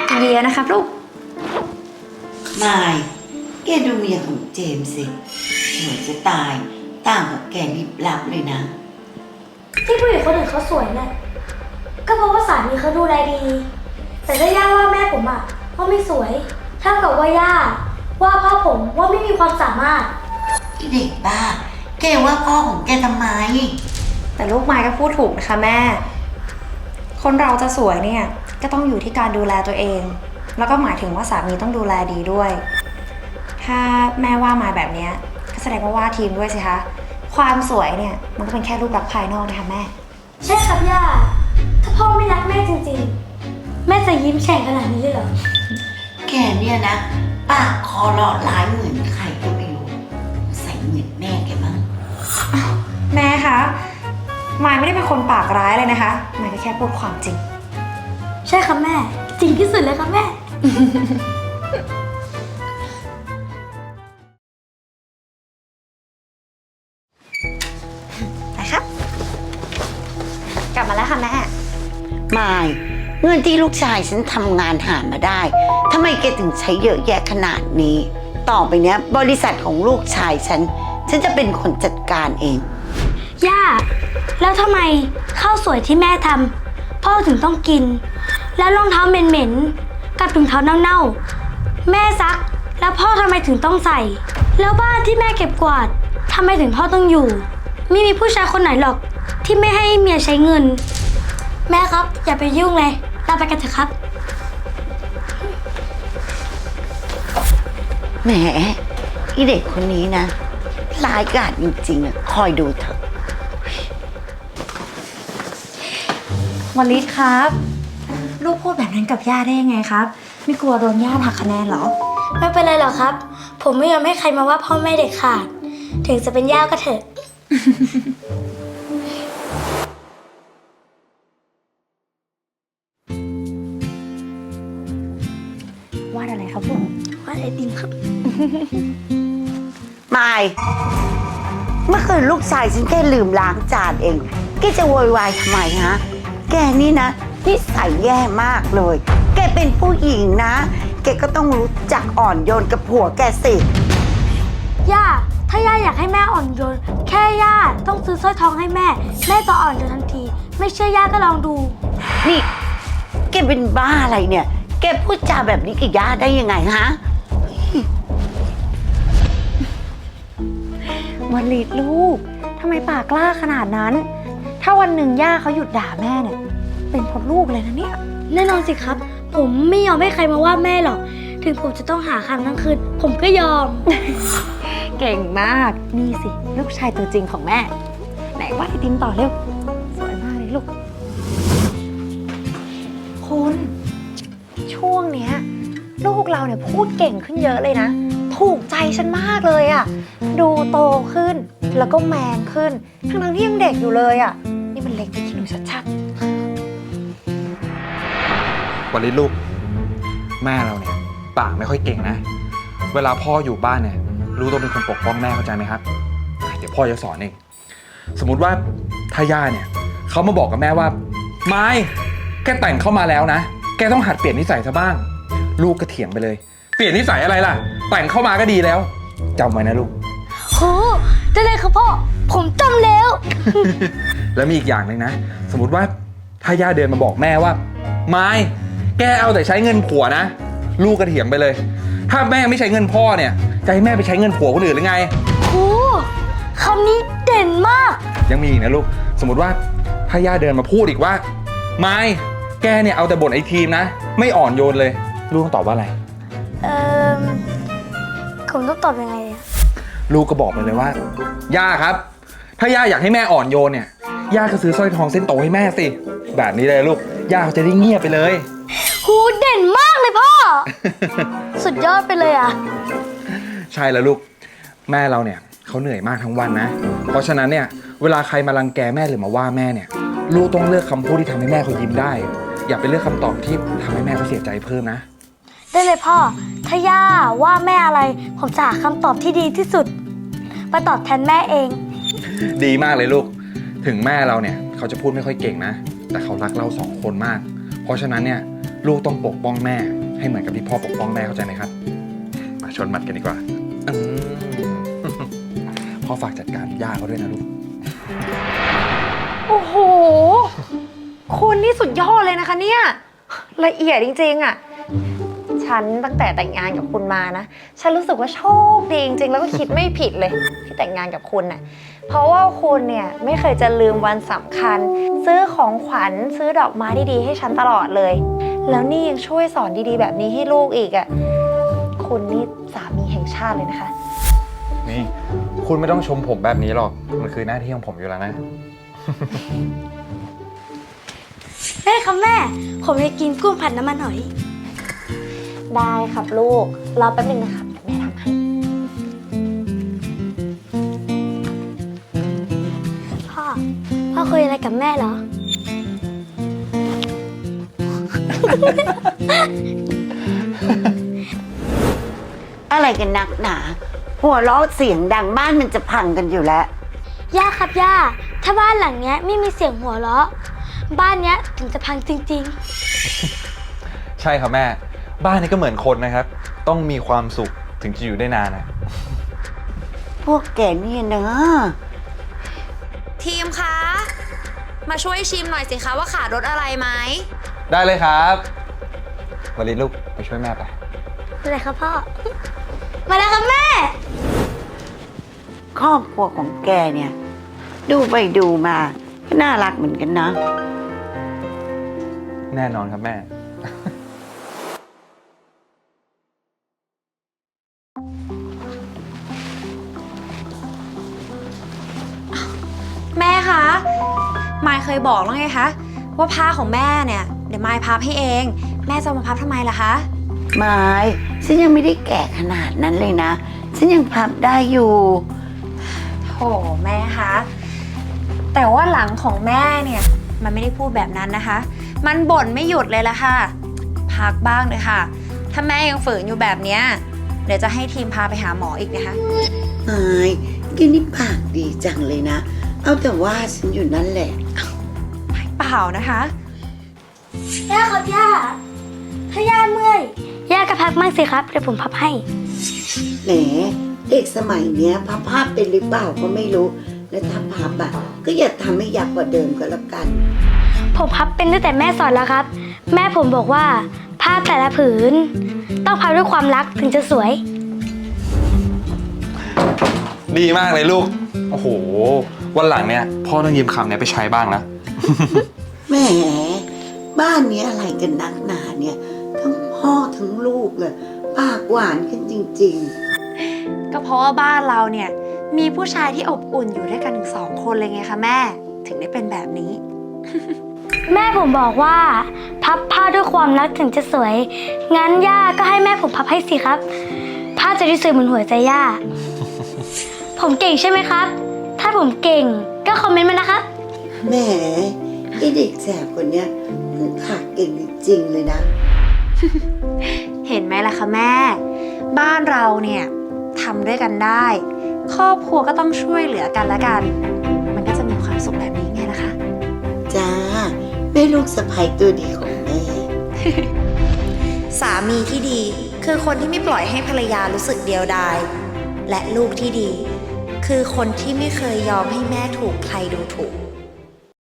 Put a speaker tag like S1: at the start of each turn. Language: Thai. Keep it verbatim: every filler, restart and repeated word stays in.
S1: เดียนะครับลูก
S2: มายแกดูเมียของเจมส์สิสวยจะตายต่างกับแกลิบลับเลยนะ
S3: ที่ผู้หญิงคนอื่นเขาสวยเนี่ยก็เพราะว่าสามีเขาดูแลดี แต่ถ้าย่าว่าแม่ผมอะว่าไม่สวยเท่ากับว่าย่าว่าพ่อผมว่าไม่มีความสามารถ
S2: เด็กบ้าแกว่าพ่อของแกทำไม
S1: แต่ลูกไม้ก็พูดถูกนะคะแม่คนเราจะสวยเนี่ยก็ต้องอยู่ที่การดูแลตัวเองแล้วก็หมายถึงว่าสามีต้องดูแลดีด้วยถ้าแม่ว่ามาแบบนี้ก็แสดงว่าว่าทีมด้วยสิคะความสวยเนี่ยมันก็เป็นแค่รูปลักษณ์ภายนอกนะคะแม่
S3: ใช่ครับย่าถ้าพ่อไม่รักแม่จริงๆแม่จะยิ้มแฉ่งขนาดนี้เลยเหรอ
S2: แกเนี่ยนะปากคอหล่อร้ายเหมือนใครก็ไม่รู้ใส่เหมือนแม่แกมั้ง
S1: แม่คะมายไม่ได้เป็นคนปากร้ายเลยนะคะมายก็แค่พูดความจริง
S3: ใช่ครับแม่จริงที่สุดเลยครับแม่
S1: นะครับกลับมาแล้วค่ะแม่
S2: มายเงินที่ลูกชายฉันทำงานหามาได้ทำไมแกถึงใช้เยอะแยะขนาดนี้ต่อไปเนี้ยบริษัทของลูกชายฉันฉันจะเป็นคนจัดการเอง
S3: ย่าแล้วทำไมข้าวสวยที่แม่ทำพ่อถึงต้องกินแล้วรองเท้าเหม็นๆกับถุงเท้าเน่าๆแม่ซักแล้วพ่อทำไมถึงต้องใส่แล้วบ้านที่แม่เก็บกวาดทำไมถึงพ่อต้องอยู่ไม่มีผู้ชายคนไหนหรอกที่ไม่ให้เมียใช้เงินแม่ครับอย่าไปยุ่งเลยเราไปกันเถอะครับ
S2: แหมอีเด็กคนนี้นะร้ายกาจจริงๆอ่ะคอยดูเถอะ
S1: วลิศครับลูกพูดแบบนั้นกับย่าได้ยังไงครับไม่กลัวโดนย่าหักคะแนนหรอ
S3: ไม่เป็นไรหรอกครับผมไม่ยอมให้ใครมาว่าพ่อแม่เด็กขาดถึงจะเป็นย่าก็เถอะ
S1: วาดอะไรครับลูก
S3: วาดไอติมครับ
S2: มายเมื่อคืนลูกชายฉันแค่ลืมล้างจานเองแกจะโวยวายทำไมฮะแกนี่นะนิสัยแย่มากเลยแกเป็นผู้หญิงนะแกก็ต้องรู้จักอ่อนโยนกับผัวแกสิ
S3: ย่าถ้าย่าอยากให้แม่อ่อนโยนแค่ย่าต้องซื้อสร้อยทองให้แม่แม่จะอ่อนโยนทันทีไม่เชื่อย่าก็ลองดู
S2: นี่แกเป็นบ้าอะไรเนี่ยแกพูดจาแบบนี้กับย่าได้ยังไงฮะ
S1: วลิศลูกทำไมปากกล้าขนาดนั้นถ้าวันหนึ่งย่าเขาหยุดด่าแม่เนี่ยเป็นเพราะลูกเลยนะเนี่ย
S3: แน่นอนสิครับผมไม่ยอมให้ใครมาว่าแม่หรอกถึงผมจะต้องหาคำทั้งคืนผมก็ยอม
S1: เก่งมากนี่สิลูกชายตัวจริงของแม่ไหนวาดไอติมต่อเร็วสวยมากเลยลูกคุณช่วงเนี้ยลูกเราเนี่ยพูดเก่งขึ้นเยอะเลยนะถูกใจฉันมากเลยอ่ะดูโตขึ้นแล้วก็แมนขึ้นทั้งๆที่ยังเด็กอยู่เลยอ่ะนี่มันเล็กไปคิดดูชัด
S4: ๆวันนี้ลูกแม่เราเนี่ยปากไม่ค่อยเก่งนะเวลาพ่ออยู่บ้านเนี่ยลูกต้องเป็นคนปกป้องแม่เข้าใจไหมครับเดี๋ยวพ่อจะสอนเองสมมุติว่าถ้าย่าเนี่ยเขามาบอกกับแม่ว่าไม่แกแต่งเข้ามาแล้วนะแกต้องหัดเปลี่ยนนิสัยซะบ้างลูกก็เถียงไปเลยเปลี่ยนนิสัยอะไรล่ะแต่งเข้ามาก็ดีแล้วจำไว้นะลูก
S3: โหได้เลยครับพ่อผมจำแล้ว
S4: แล้วมีอีกอย่างหนึ่งนะสมมติว่าถ้าย่าเดินมาบอกแม่ว่าไม่แกเอาแต่ใช้เงินผัวนะลูกก็เถียงไปเลยถ้าแม่ไม่ใช้เงินพ่อเนี่ยจะให้แม่ไปใช้เงินผัวคนอื่นหรือไง
S3: โหคำนี้เด่นมาก
S4: ยังมีอีกนะลูกสมมติว่าถ้าย่าเดินมาพูดอีกว่าไม่แกเนี่ยเอาแต่บ่นไอ้ทีมนะไม่อ่อนโยนเลยลูกต้องตอบว่าอะไร
S3: เอ่อผมต้องตอบยังไงอะ
S4: ลูกก็บอกไปเลยว่าย่าครับถ้าย่าอยากให้แม่อ่อนโยนเนี่ยย่าก็ซื้อสร้อยทองเส้นโตให้แม่สิแบบนี้เลยลูกย่าเขาจะได้เงียบไปเลย
S3: หูเด่นมากเลยพ่อ สุดยอดไปเลยอ่ะ
S4: ใช่แล้วลูกแม่เราเนี่ยเขาเหนื่อยมากทั้งวันนะเพราะฉะนั้นเนี่ยเวลาใครมารังแกแม่หรือมาว่าแม่เนี่ยลูกต้องเลือกคำพูดที่ทำให้แม่เขายิ้มได้อย่าไปเลือกคำตอบที่ทำให้แม่เขาเสียใจเพิ่มนะ
S3: ได้เลยพ่อถ้าย่าว่าแม่อะไรผมจะหาคำตอบที่ดีที่สุดไปตอบแทนแม่เอง
S4: ดีมากเลยลูกถึงแม่เราเนี่ยเขาจะพูดไม่ค่อยเก่งนะแต่เขารักเราสองคนมากเพราะฉะนั้นเนี่ยลูกต้องปกป้องแม่ให้เหมือนกับที่พ่อปกป้องแม่เข้าใจไหมครับ มาชนหมัดกันดีกว่าอืม พ่อฝากจัดการย่าเขาด้วยนะลูก
S1: โอ้โห คุณนี่สุดยอดเลยนะคะเนี่ยละเอียดจริงๆอะฉันตั้งแต่แต่งงานกับคุณมานะ ฉันรู้สึกว่าโชคดีจริงๆแล้วก็คิดไม่ผิดเลยที่แต่งงานกับคุณน่ะเพราะว่าคุณเนี่ยไม่เคยจะลืมวันสำคัญ ซื้อของขวัญซื้อดอกไม้ดีๆให้ฉันตลอดเลย แล้วนี่ยังช่วยสอนดีๆแบบนี้ให้ลูกอีกอะคุณนี่สามีแห่งชาติเลยนะคะ
S4: นี่คุณไม่ต้องชมผมแบบนี้หรอก มันคือหน้าที่ของผมอยู่แล้วนะ
S3: แม่ครับแม่ ผมจะกินกุ้งผัดน้ำมันหอย
S1: ได้ครับลูกรอแป๊บนึงนะครับเดี๋ยวแม่ทำให้
S3: พ่อ พ่อคุยอะไรกับแม่เหรอ
S2: อะไรกันนักหนา หัวเราะเสียงดังบ้านมันจะพังกันอยู่แล้ว
S3: ย่าครับย่า ถ้าบ้านหลังเนี้ยไม่มีเสียงหัวเราะ บ้านเนี้ยถึงจะพังจริง
S4: ใช่ครับแม่ บ้านนี้ก็เหมือนคนนะครับ ต้องมีความสุขถึงจะอยู่ได้นานนะ
S2: พวกแกเนี่ยเนอะ
S1: ทีมคะ มาช่วยชิมหน่อยสิคะว่าขาดรสอะไรไหม
S4: ได้เลยครับวลินลูกไปช่วยแม่ไป
S3: ๆอะไรครับพ่อ มาแล้วครับแม่
S2: ครอบครัวของแกเนี่ย ดูไปดูมาก็น่ารักเหมือนกันนะ
S4: แน่นอนครับแม่
S1: แม่คะมายเคยบอกแล้วไงคะว่าผ้าของแม่เนี่ยเดี๋ยวมายพับให้เอง แม่จะมาพับทำไมล่ะคะ
S2: ไม่ฉันยังไม่ได้แก่ขนาดนั้นเลยนะ ฉันยังพับได้อยู่
S1: โถแม่คะแต่ว่าหลังของแม่เนี่ยมันไม่ได้พูดแบบนั้นนะคะ มันบ่นไม่หยุดเลยละค่ะ พักบ้างเลยค่ะ ถ้าแม่ยังฝืนอยู่แบบเนี้ยเดี๋ยวจะให้ทีมพาไปหาหมออีกนะคะ
S2: ไอ้แกนี่ปากดีจังเลยนะ เอาแต่ว่าฉันอยู่นั่นแหละ
S1: เปล่านะคะ
S3: ย่าครับย่า ถ้าย่าเมื่อย ย่าก็พักมั่งสิครับ เดี๋ยวผมพับให้
S2: แหมเด็กสมัยเนี้ยพับภาพเป็นหรือเปล่าก็ไม่รู้ และถ้าพับอะก็อย่าทำให้ยักษ์กว่าเดิมก็แล้วกัน
S3: ผมพับเป็นตั้งแต่แม่สอนแล้วครับ แม่ผมบอกว่าผ้าแต่ละผืน ต้องพับด้วยความรักถึงจะสวย
S4: ดีมากเลยลูก โอ้โห วันหลังเนี่ยพ่อต้องยืมคำเนี้ยไปใช้บ้างนะ
S2: แหมบ้านนี้อะไรกันนักหนาเนี่ย ทั้งพ่อทั้งลูกเลยปากหวานกันจริงๆ
S1: ก็เพราะว่าบ้านเราเนี่ยมีผู้ชายที่อบอุ่นอยู่ด้วยกันถึงสองคนเลยไงคะแม่ถึงได้เป็นแบบนี้
S3: แม่ผมบอกว่า พับผ้าด้วยความรักถึงจะสวย งั้นย่าก็ให้แม่ผมพับให้สิครับ ผ้าจะได้สวยเหมือนหัวใจย่า ผมเก่งใช่ไหมครับ ถ้าผมเก่งก็คอมเมนต์มานะครับ
S2: แหมไอเด็กแสบคนเนี้ยมันถักเก่งจริงๆเลยนะ
S1: เห็นไหมล่ะคะแม่ บ้านเราเนี่ยทำด้วยกันได้ ครอบครัวก็ต้องช่วยเหลือกันและกัน มันก็จะมีความสุขแบบนี้ไงล่ะคะ
S2: จ้าแม่ลูกสะใภ้ตัวดีของแม่
S1: สามีที่ดีคือคนที่ไม่ปล่อยให้ภรรยารู้สึกเดียวดายและลูกที่ดี คือคนที่ไม่เคยยอมให้แม่ถูกใครดูถูก